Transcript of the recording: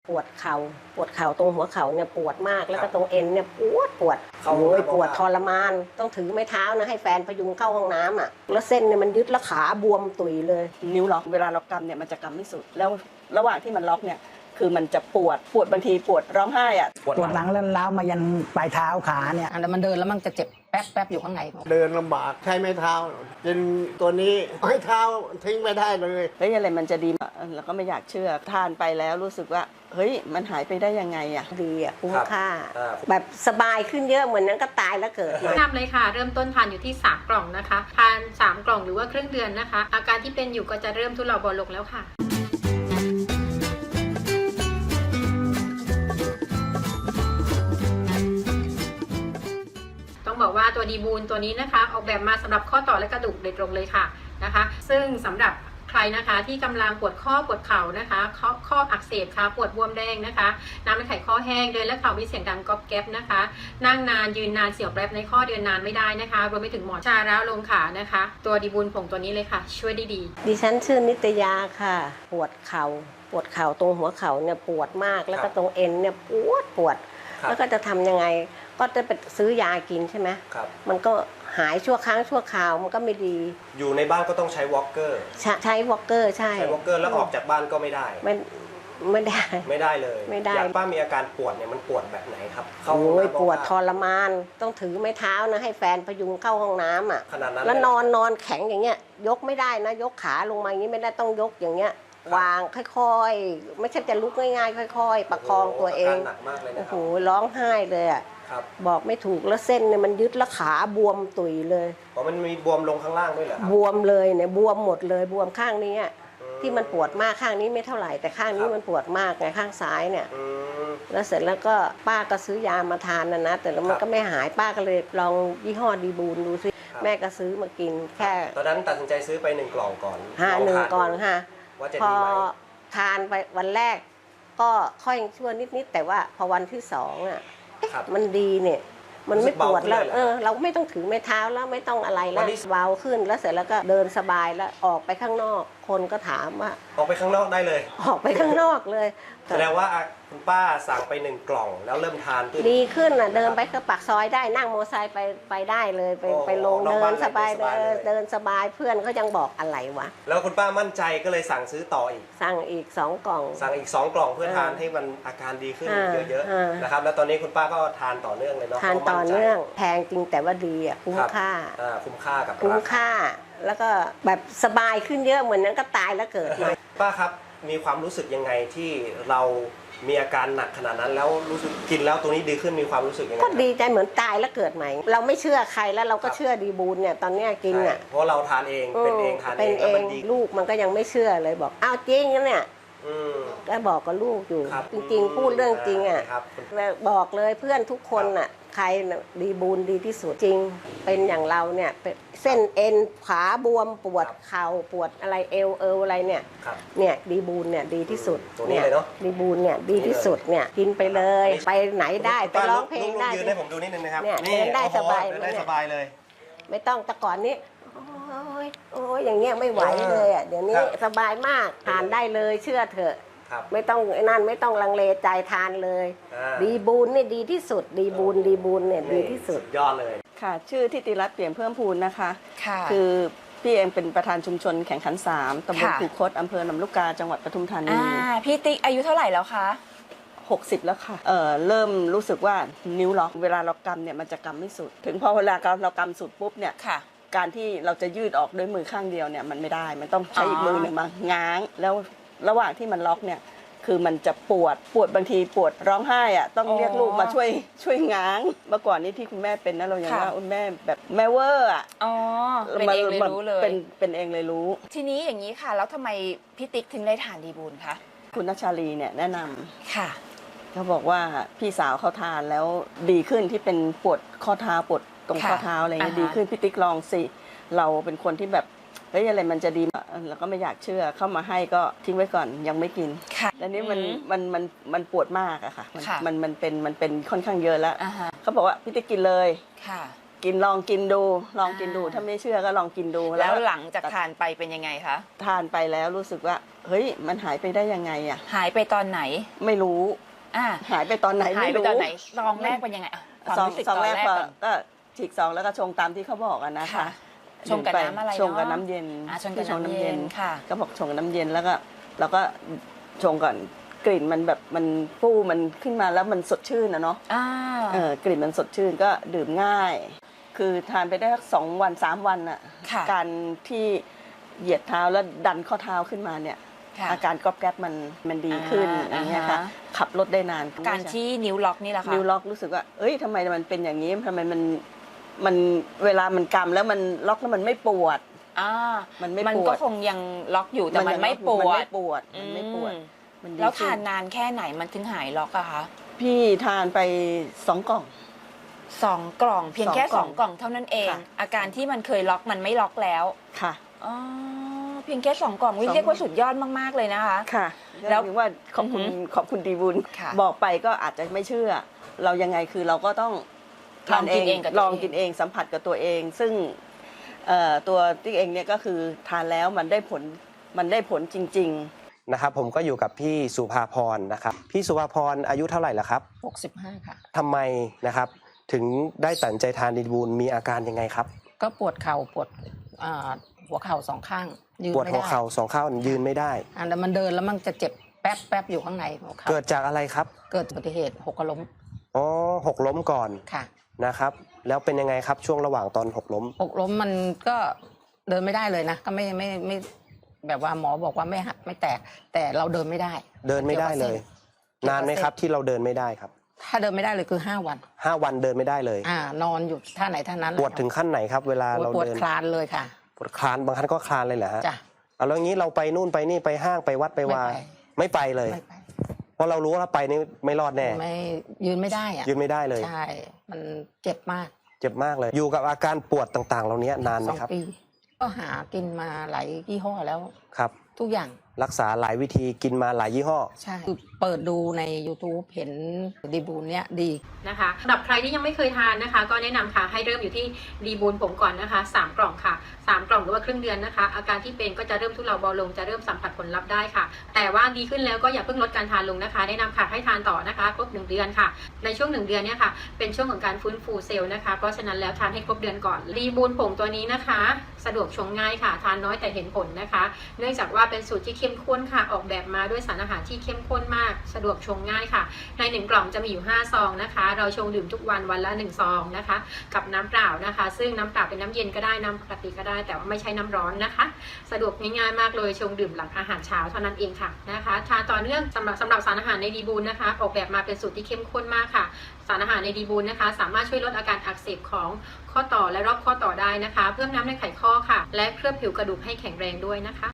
ปวดเข่าตรงหัวเข่าเนี่ยปวดมากแล้วก็ตรงเอ็นเนี่ยปวดโอ้ยปวดทรมานต้องถือไม้เท้านะให้แฟนพยุงเข้าห้องน้ำอ่ะแล้วเส้นเนี่ยมันยึดแล้วขาบวมตุยเลยนิ้วล็อกเวลาเรากำเนี่ยมันจะกำไม่สุดแล้วระหว่างที่มันล็อกเนี่ยคือมันจะปวดบางทีปวดร้องไห้อ่ะปวดหลังแล้วล้าวมายันปลายเท้าขาเนี่ยแล้วมันเดินแล้วมันจะเจ็บแป๊บอยู่ข้างในเดินลำบากใช้ไม้เท้ากินตัวนี้ไม้เท้าทิ้งไม่ได้เลยเฮ้ยอะไรมันจะดีแล้วก็ไม่อยากเชื่อทานไปแล้วรู้สึกว่าเฮ้ยมันหายไปได้ยังไงอ่ะดีอ่ะคุ้มค่าแบบสบายขึ้นเยอะเหมือนนั้นก็ตายแล้วเกิดแนะนำเลยค่ะเริ่มต้นทานอยู่ที่3กล่องนะคะทาน3กล่องหรือว่าครึ่งเดือนนะคะอาการที่เป็นอยู่ก็จะเริ่มทุเลาเบาลงแล้วค่ะต้องบอกว่าตัวดีบูนตัวนี้นะคะออกแบบมาสำหรับข้อต่อและกระดูกโดยตรงเลยค่ะนะคะซึ่งสำหรับใครนะคะที่กำลังปวดข้อปวดเข่านะคะข้ออักเสบค่ะปวดบวมแดงนะคะน้ำในไขข้อแห้งเดินและเข่ามีเสียงดังก๊อบแก๊บนะคะนั่งนานยืนนานเสียวแป๊บในข้อเดินนานไม่ได้นะคะรวมไปถึงหมอนชาร้าวลงขานะคะตัวดีบูนผงตัวนี้เลยค่ะช่วยได้ดีดิฉันชื่อนิตยาค่ะปวดเข่าตรงหัวเข่าเนี่ยปวดมากแล้วก็ตรงเอ็นเนี่ยปวดแล้วก็จะทำยังไงก็จะไปซื้อยากินใช่ไหมมันก็หายชั่วครั้งชั่วคราวมันก็ไม่ดีอยู่ในบ้านก็ต้องใช้วอล์กเกอร์ใช้วอล์กเกอร์ใช่วอล์กเกอร์แล้วออกจากบ้านก็ไม่ได้ไม่ได้เลยไม่ได้ป้ามีอาการปวดเนี่ยมันปวดแบบไหนครับโอ้ยปวดทรมานต้องถือไม้เท้านะให้แฟนพยุงเข้าห้องน้ำอ่ะขนาดนั้นแล้วนอนแข็งอย่างเงี้ยยกไม่ได้นะยกขาลงมาอย่างนี้ไม่ได้ต้องยกอย่างเงี้ยวางค่อยๆไม่ใช่จะลุกง่ายๆค่อยๆประคองตัวเองหนักมากเลยนะโอ้โหร้องไห้เลยอ่ะบอกไม่ถูกแล้วเส้นเนี่ยมันยึดแล้วขาบวมตุยเลยมันมีบวมลงข้างล่างด้วยเหรอครับบวมเลยเนี่ยบวมหมดเลยบวมข้างนี้ที่มันปวดมากข้างนี้ไม่เท่าไหร่แต่ข้างนี้มันปวดมากไงข้างซ้ายเนี่ยแล้วเสร็จแล้วก็ป้าก็ซื้อยามาทานนะแต่แล้วมันก็ไม่หายป้าก็เลยลองยี่ห้อดีบูนดูซิแม่ก็ซื้อมากินแค่ตอนนั้นตัดสินใจซื้อไป1 กล่องก่อน 1 กล่องค่ะพอทานไปวันแรกก็ค่อยชั่วนิดแต่ว่าพอวันที่2อ่ะมันดีเนี่ยมันไม่ปวดแล้วเราไม่ต้องถือไม้เท้าแล้วไม่ต้องอะไรแล้วเบาขึ้นแล้วเสร็จแล้วก็เดินสบายแล้วออกไปข้างนอกคนก็ถามว่าออกไปข้างนอกได้เลยออกไปข้างนอกเลยแสดงว่าคุณป้าสั่งไป1 กล่องแล้วเริ่มทานดีขึ้นอ่ะเดินไปก็ปากซอยได้นั่งมอเตอร์ไซค์ไปได้เลยไปลงเดินสบายเดินสบายเพื่อนเขายังบอกอะไรวะแล้วคุณป้ามั่นใจก็เลยสั่งซื้อต่ออีกสั่งอีก2 กล่องสั่งอีก2 กล่องเพื่อทานให้มันอาการดีขึ้นเยอะๆนะครับแล้วตอนนี้คุณป้าก็ทานต่อเนื่องเลยเนาะทานต่อเนื่องแพงจริงแต่ว่าดีอ่ะคุ้มค่าคุ้มค่ากับคุ้มค่าแล้วก็แบบสบายขึ้นเยอะเหมือนนั้นก็ตายแล้วเกิดมาป้าครับมีความรู้สึกยังไงที่เรามีอาการหนักขนาดนั้นแล้วรู้สึกกินแล้วตัวนี้ดีขึ้นมีความรู้สึกยังไงก็ดีใจเหมือนตายแล้วเกิดใหม่เราไม่เชื่อใครแล้วเราก็เชื่อดีบูนเนี่ยตอนนี้กินอ่ะเพราะเราทานเองเป็นเองทานเองแล้วมันดีลูกมันก็ยังไม่เชื่อเลยบอกอ้าวจริงนะเนี่ยก็บอกกับลูกอยู่จริงๆพูดเรื่องจริงอ่ะบอกเลยเพื่อนทุกคนอ่ะใครดีบูนดีที่สุดจริงเป็นอย่างเราเนี่ยเส้นเอ็นขาบวมปวดเข่าปวดอะไรเอวอะไรเนี่ยดีบูนเนี่ยดีที่สุดเนี่ยดีบูนเนี่ยดีที่สุดเนี่ยกินไปเลยไปไหนได้ไปร้องเพลงได้ยืนให้ผมดูนิดนึงนะครับเนี่ยเดินได้สบายได้สบายเลยไม่ต้องแต่ก่อนนี้โอ้ยอย่างเงี้ยไม่ไหวเลยอ่ะเดี๋ยวนี้สบายมากทานได้เลยเชื่อเถอะไม่ต้องนั่นไม่ต้องลังเลใจทานเลยดีบูนเนี่ยดีที่สุดดีบูนเนี่ยดีที่สุดยอดเลยค่ะชื่อทิติรัตน์เปี่ยมเพิ่มพูนนะคะคือพี่เองเป็นประธานชุมชนแข่งขัน3ตำบลคูคตอำเภอหนำลูกกาจังหวัดปทุมธานีพี่ติ๊กอายุเท่าไหร่แล้วคะ 60แล้วค่ะเริ่มรู้สึกว่านิ้วล็อกเวลาเรากำเนี่ยมันจะกำไม่สุดถึงพอเวลาเรากำสุดปุ๊บเนี่ยการที่เราจะยืดออกด้วยมือข้างเดียวเนี่ยมันไม่ได้มันต้องใช้อีกมือหนึ่งมาง้างแล้วระหว่างที่มันล็อกเนี่ยคือมันจะปวดบางทีปวดร้องไห้อ่ะต้องเรียกลูกมาช่วยง้างเมื่อก่อนนี้ที่คุณแม่เป็นนะเรายังว่าแม่แบบแม่เวอร์อ่ะเป็นเองเลยรู้เลยเป็นเองเลยรู้ทีนี้อย่างนี้ค่ะแล้วทำไมพี่ติ๊กถึงได้ทานดีบูนคะคุณนัชชาลีเนี่ยแนะนำค่ะเขาบอกว่าพี่สาวเขาทานแล้วดีขึ้นที่เป็นปวดข้อเท้าปวดตรงข้อเท้าอะไรเงี้ยดีขึ้นพี่ติ๊กลองสิเราเป็นคนที่แบบเฮ้ยอะไรมันจะดีแล้วก็ไม่อยากเชื่อเข้ามาให้ก็ทิ้งไว้ก่อนยังไม่กินแล้วนี้มันปวดมากอะค่ะมันเป็นค่อนข้างเยอะแล้วเขาบอกว่าพี่ติ๊กกินเลยลองกินดูถ้าไม่เชื่อก็ลองกินดูแล้วหลังจากทานไปเป็นยังไงคะทานไปแล้วรู้สึกว่าเฮ้ยมันหายไปได้ยังไงอ่ะหายไปตอนไหนไม่รู้อ่าหายไปตอนไหนหายไม่ไปรู้ตอนไหนซองแรกเป็นยังไงอะความรู้สึกซองตอนแรกแรกพอก่อนก็ฉีกซองแล้วก็ชงตามที่เขาบอกอะนะคะค่ะชงกับน้ำอะไรเนอะชงกับน้ำเย็นชงกับน้ำเย็นค่ะก็บอกชงกับน้ำเย็นแล้วก็เราก็ชงก่อนกลิ่นมันแบบมันฟูมันขึ้นมาแล้วมันสดชื่นนะเนาะอ่ากลิ่นมันสดชื่นก็ดื่มง่าย คือทานไปได้สัก2 วัน3 วันอะค่ะการที่เหยียดเท้าแล้วดันข้อเท้าขึ้นมาเนี่ยค่ะอาการกรอบแกรบมันดีขึ้นอย่างเงี้ยค่ะ ขับรถได้นานการที่นิ้วล็อกนี่แหละค่ะนิ้วล็อกรู้สึกว่าเอ้ยทำไมมันเป็นอย่างนี้ทำไมมันเวลามันกำแล้วมันล็อกแล้วมันไม่ปวดอ่ามันไม่มันปวดก็คงยังล็อกอยู่แต่มันไม่ปวมันดไม่ปวดมันไม่ปวดอืมมันดีแล้วขึ้ทานนานแค่ไหนมันถึงหายล็อกอะคะพี่ทานไป2 กล่อง 2 กล่องเพียงแค่ 2 2 กล่องเท่านั้นเองค่ะอาการที่มันเคยล็อกมันไม่ล็อกแล้วค่ะอ๋อเพียงแค่2 กล่องวิสองเรียกว่าสุดยอดมากๆเลยนะคะค่ะแล้แล้ว วถึงว่าขอบคุณขอบคุณดีบุญค่ะบอกไปก็อาจจะไม่เชื่อ เรายังไงคือเราก็ต้องทานลองกินเองกับตัวเองลองกินเองสัมผัสกับตัวเอง ซึ่งตัวติ๊กเองเนี่ยก็คือทานแล้วมันได้ผลจริง ๆนะครับผมก็อยู่กับพี่สุภาพรนะครับพี่สุภาพรอายุเท่าไหร่ละครับ 65 ค่ะทำไมนะครับถึงได้ตัดสินใจทานดีบูลมีอาการยังไงครับก็ปวดเข่าปวดหัวเข่า2 ข้างยืนปวดไม่หัวได้เข่า2 ข้างยืนไม่ได้แต่มันเดินแล้วมันจะเจ็บแป๊บอยู่ข้างในหัวเข่าเกิดจากอะไรครับเกิดอุบัติเหตุหกล้มอ๋อหกล้มก่อนค่ะนะครับแล้วเป็นยังไงครับช่วงระหว่างตอนหกล้มหกล้มมันก็เดินไม่ได้เลยนะ ก็ไม่แบบว่าหมอบอกว่าไม่หักไม่แตก แต่เราเดินไม่ได้เดินไม่ได้เลย นานไหมครับที่เราเดินไม่ได้ครับถ้าเดินไม่ได้เลยคือ5 วัน 5 วันเดินไม่ได้เลยนอนอยู่ท่าไหนท่านั้นปวดถึงขั้นไหนครับ เวลาเราปวดเดินคลานเลยค่ะปวดคลานบางครั้งก็คลานเลยเหรอฮะจ้ะเอาแล้วงี้เราไปนู่นไปนี่ไปห้างไปวัดไปวาไม่ไปเลยไม่ไปเพราะเรารู้ว่าถ้าไปนี่ไม่รอดแน่ไม่ยืนไม่ได้อะยืนไม่ได้เลยใช่มันเจ็บมากเจ็บมากเลย อยู่กับอาการปวดต่างๆ เหล่านี้นานไหมครับ 2 ปี ก็หากินมาหลายยี่ห้อแล้วครับทุกอย่างรักษาหลายวิธีกินมาหลายยี่ห้อใช่คือเปิดดูใน YouTube เห็นดีบูนเนี้ยดีนะคะสำหรับใครที่ยังไม่เคยทานนะคะ ก็แนะนำค่ะให้เริ่มอยู่ที่ดีบูนผมก่อนนะคะ3 กล่องค่ะ3 กล่องหรือว่าครึ่งเดือนนะคะ อาการที่เป็นก็จะเริ่มทุเลาเบาลงจะเริ่มสัมผัสผลลัพธ์ได้ค่ะ แต่ว่าดีขึ้นแล้วก็อย่าเพิ่งลดการทานลงนะคะแนะนำค่ะให้ทานต่อนะคะครบ1 เดือนค่ะในช่วง1 เดือนเนี่ยค่ะเป็นช่วงของการฟื้นฟูเซลล์นะคะเพราะฉะนั้นแล้วทานให้ครบเดือนก่อนดีบูนผงตัวนี้นะคะ สะดวกชงง่ายค่ะทานน้อยแต่เห็นผลนะคะ เนื่องจากว่าเป็นสูตรที่เข้มข้นค่ะออกแบบมาด้วยสารอาหารที่เข้มข้นมากสะดวกชงง่ายค่ะใน1 กล่องจะมีอยู่5 ซองนะคะเราชงดื่มทุกวันวันละ1 ซองนะคะกับน้ำเปล่านะคะซึ่งน้ำเปล่าเป็นน้ำเย็นก็ได้น้ำปกติก็ได้แต่ว่าไม่ใช่น้ำร้อนนะคะสะดวกง่ายๆมากเลยชงดื่มหลังอาหารเช้าเท่านั้นเองค่ะนะคะทานต่อเนื่องสำหรับสารอาหารในดีบูนนะคะออกแบบมาเป็นสูตรที่เข้มข้นมากค่ะสารอาหารในดีบูนนะคะสามารถช่วยลดอาการอักเสบของข้อต่อและรอบข้อต่อได้นะคะเพิ่มน้ำในไขข้อค่ะและเคลือบผิวกระดูกให้แข็งแรงด้วยนะคะ